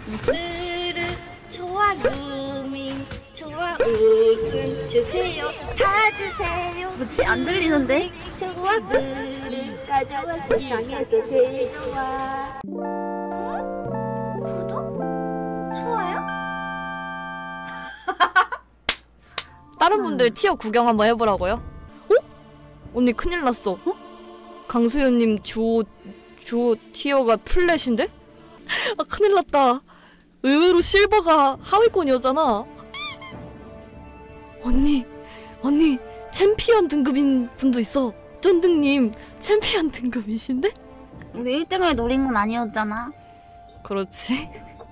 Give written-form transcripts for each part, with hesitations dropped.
으르 좋아 루밍 좋아 웃음 주세요 다 주세요. 뭐지? 안 들리는데? 좋아 으르 가져와 세상에서 제일 좋아. 구독? 좋아요? 다른 분들 티어 구경 한번 해보라고요? 어? 언니 큰일 났어. 강수연님 주호 티어가 플랫인데? 아 큰일 났다. 의외로 실버가 하위권이었잖아. 언니 챔피언 등급인 분도 있어. 쫀득님 챔피언 등급이신데? 우리 1등을 노린 건 아니었잖아. 그렇지.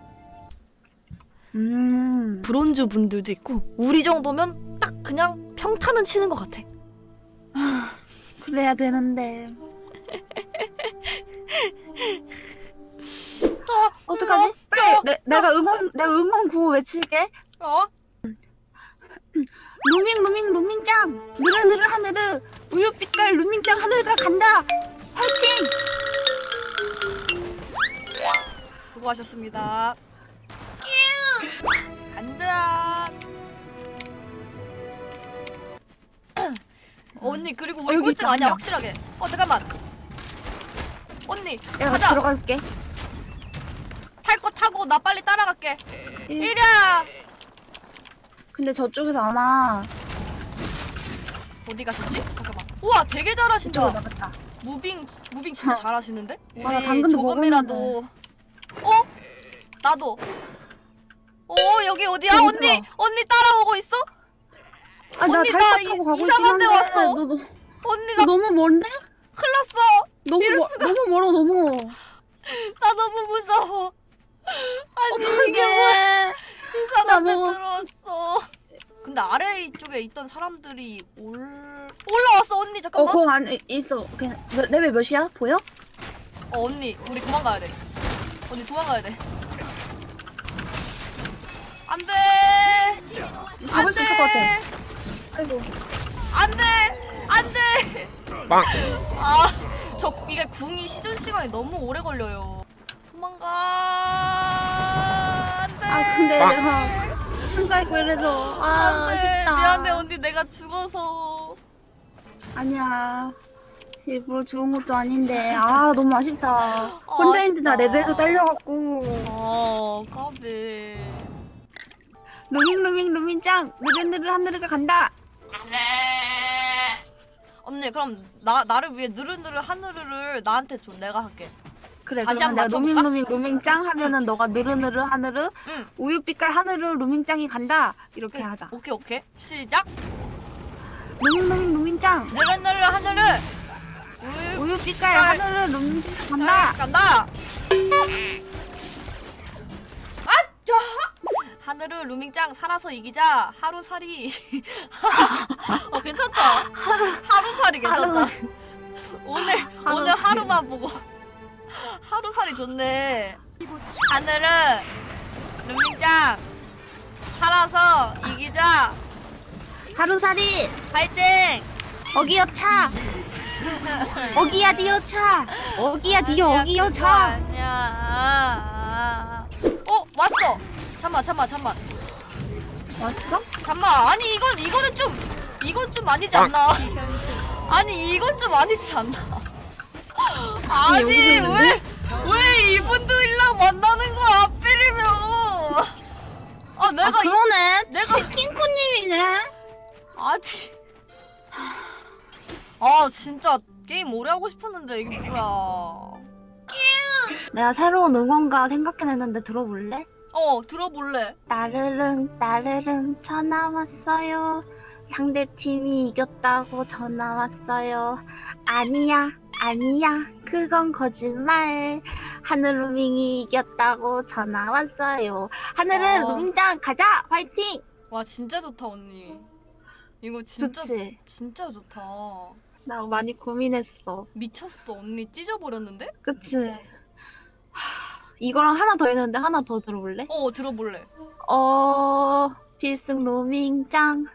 브론즈 분들도 있고 우리 정도면 딱 그냥 평타는 치는 것 같아. 그래야 되는데. 어떡하지? 빨리 내가 응원 구호 외칠게. 루밍짱 느르느르 하늘을 우유빛깔 루밍짱 하늘가 간다. 화이팅! 수고하셨습니다. 간다. 언니 그리고 우리 꼴등 아니야 확실하게. 잠깐만. 언니 내가 가자. 들어갈게. 탈 거 타고 나 빨리 따라갈게. 이리야. 근데 저쪽에서 아마 어디 가셨지? 잠깐만. 우와 되게 잘하신다. 저쪽으로 나갔다. 무빙 진짜 잘하시는데? 우리 나 방금도 조금이라도. 나도. 여기 어디야? 그러니까. 언니 따라오고 있어? 언니 나 이상한 데 왔어. 언니 나 너무 먼데? 큰일 났어. 너무 멀어 너무. 나 너무 무서워. 아니 어떡해. 이게 뭐야. 이상한 데 나 들어왔어. 근데 아래 쪽에 있던 사람들이 올라왔어. 언니 잠깐만. 거기 안에 있어. 그냥 레벨 몇이야? 보여? 언니 우리 도망가야 돼. 언니 도망가야 돼. 안돼. 잡을 수 있을 것 같아. 아이고. 안돼. 이게 궁이 시전 시간이 너무 오래 걸려요. 도망가. 안돼. 근데 내가 혼자 있고 이래서 아쉽다. 미안해 언니 내가 죽어서. 아니야. 일부러 죽은 것도 아닌데 너무 아쉽다. 혼자 있는데 나 레벨도 딸려갖고. 까비. 루밍짱 느르느르 하늘가 간다. 언니 그럼 나를 위해 느르느르 하늘을 나한테 줘. 내가 할게. 그래. 다시 그러면 한번 내가 맞춰볼까? 루밍짱 하면은 너가 느르느르 하늘을 우유빛깔 하늘을 루밍짱이 간다. 이렇게 하자. 오케이 시작. 루밍짱 느르느르 하늘을 우유빛깔 하늘을 루밍짱 간다. 하늘을 루밍짱 살아서 이기자. 하루살이. 괜찮다. 하루살이 괜찮다. 오늘 하루만 보고 하루살이 좋네. 하늘을 루밍짱 살아서 이기자. 하루살이 파이팅. 어기여차. 어기야 디여차. 어기야 디여 어기여차. 아니야. 왔어. 잠만. 왔어? 잠만. 아니 이건 좀 아니지 않나? 아니 이건 좀 아니지 않나? 아니 왜 이분들이랑 만나는 거야 하필이면? 그러네. 내가 킹코님이네. 진짜 게임 오래 하고 싶었는데 이게 뭐야? 내가 새로운 응원가 생각해냈는데 들어볼래? 들어볼래. 따르릉 전화 왔어요. 상대팀이 이겼다고 전화 왔어요. 아니야 그건 거짓말. 하늘 루밍이 이겼다고 전화 왔어요. 하늘은 루밍짱 가자. 화이팅. 와 진짜 좋다 언니. 이거 진짜 좋지? 진짜 좋다. 나 많이 고민했어. 미쳤어 언니. 찢어버렸는데? 그치? 이거랑 하나 더 있는데 하나 더 들어볼래? 들어볼래. 필승 루밍짱.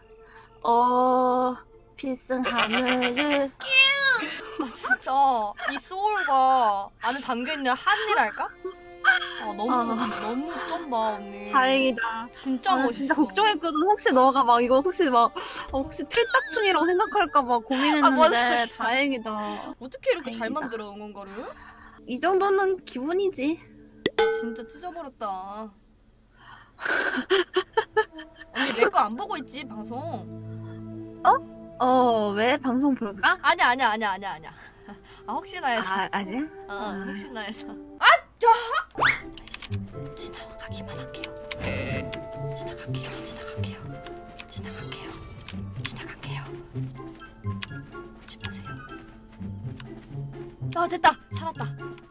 필승 하늘을. 나 진짜 이 소울과 안에 담겨있는 한이랄까? 너무 쩐다 언니. 다행이다. 진짜 멋있어. 진짜 걱정했거든. 혹시 너가 막 이거 혹시 틀딱충이라고 생각할까 봐 고민했는데 뭔 소리야. 다행이다. 어떻게 이렇게 잘 다행이다. 만들어 응원가를? 이 정도는 기본이지. 진짜 찢어버렸다. 언니 내 거 안 보고 있지 방송? 왜 방송 볼까? 아니야. 아 혹시나 해서. 아니야? 혹시나 해서. 지나가기만 할게요. 지나갈게요. 오지 마세요. 아 됐다. 살았다.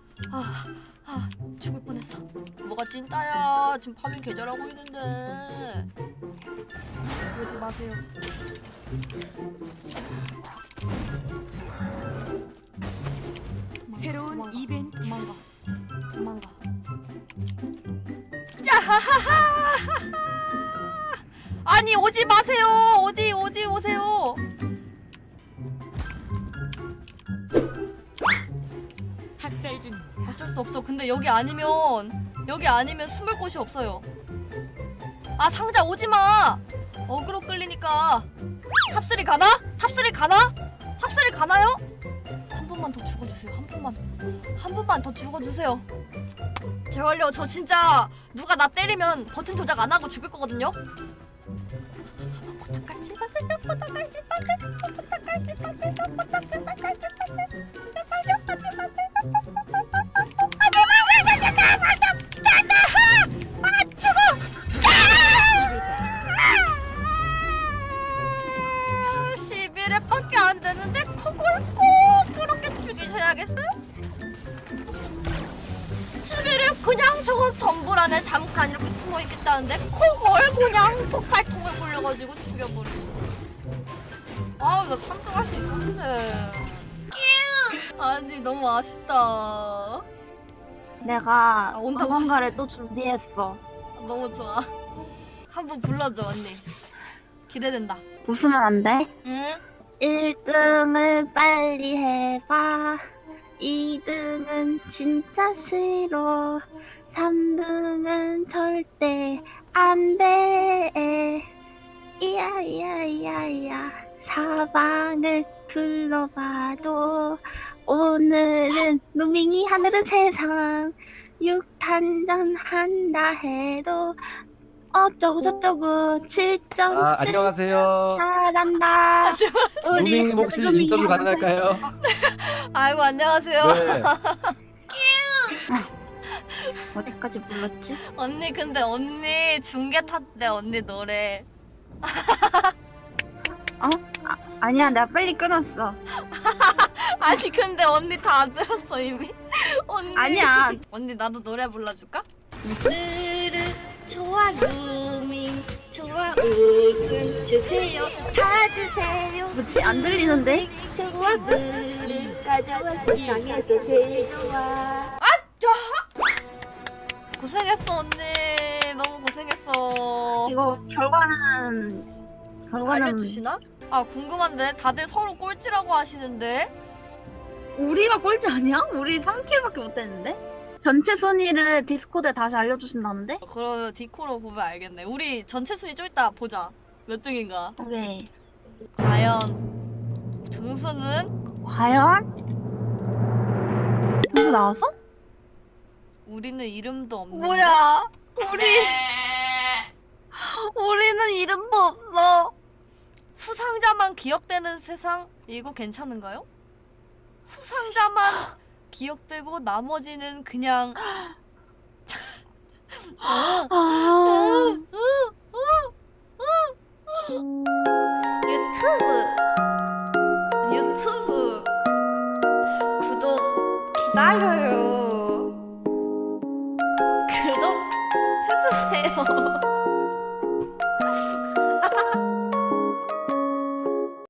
죽을 뻔했어. 뭐가 찐따야. 지금 파밍 계절하고 있는데. 오지 마세요. 새로운 이벤트. 도망가. 아니 오지 마세요. 어디 오세요. 학살 중입니다. 어쩔 수 없어. 근데 여기 아니면 숨을 곳이 없어요. 아 상자 오지 마. 어그로 끌리니까. 탑3 가나? 탑3 가나요? 한 번만 더 죽어주세요. 한 번만 더 죽어주세요. 제발요. 저 진짜 누가 나 때리면 버튼 조작 안 하고 죽을 거거든요. 포탑 깔지 마세요. 제발요. 하지 마세요. 죽어! 11회밖에 안 되는데 그걸 꼭 그렇게 죽이셔야겠어요? 11회 그냥 저거 덤불 안에 잠깐 이렇게 숨어 있겠다는데 그걸 그냥 폭발통을 굴려가지고 죽여버리지. 나 3등 할 수 있었는데. 아니 너무 아쉽다. 내가 온다고 방송가를 또 준비했어. 너무 좋아. 한번 불러줘 언니. 기대된다. 웃으면 안 돼? 응? 1등을 빨리 해봐. 2등은 진짜 싫어. 3등은 절대 안 돼. 이야. 사방을 둘러봐도 오늘은 루밍이 하늘은 세상 6탄전 한다 해도 어쩌고 7점 안녕하세요. 잘한다. 루밍님 혹시 인터뷰 가능할까요? 아이고 안녕하세요. 네. 어디까지 불렀지? 언니 근데 언니 중계 탔대 언니 노래. 아니야, 내가 빨리 끊었어. 아니 근데 언니 다 들었어 이미. 언니. 아니야. 언니 나도 노래 불러줄까? 좋아 루밍 좋아 웃음 주세요 다 주세요. 뭐지? 안 들리는데? 좋아 루밍 가져와 세상에서 제일 좋아. 고생했어 언니. 너무 고생했어. 이거 결과는 알려주시나? 아 궁금한데 다들 서로 꼴찌라고 하시는데. 우리가 꼴찌 아니야? 우리 3킬밖에 못했는데? 전체 순위를 디스코드에 다시 알려주신다는데? 그럼 디코로 보면 알겠네. 우리 전체 순위 좀 이따 보자. 몇 등인가? 오케이. 과연 등수는? 과연? 누구 나왔어? 우리는 이름도 없는데. 뭐야? 우리는 이름도 없어. 수상자만 기억되는 세상? 이거 괜찮은가요? 수상자만 기억되고 나머지는 그냥 유튜브 구독 기다려요. 구독 해주세요.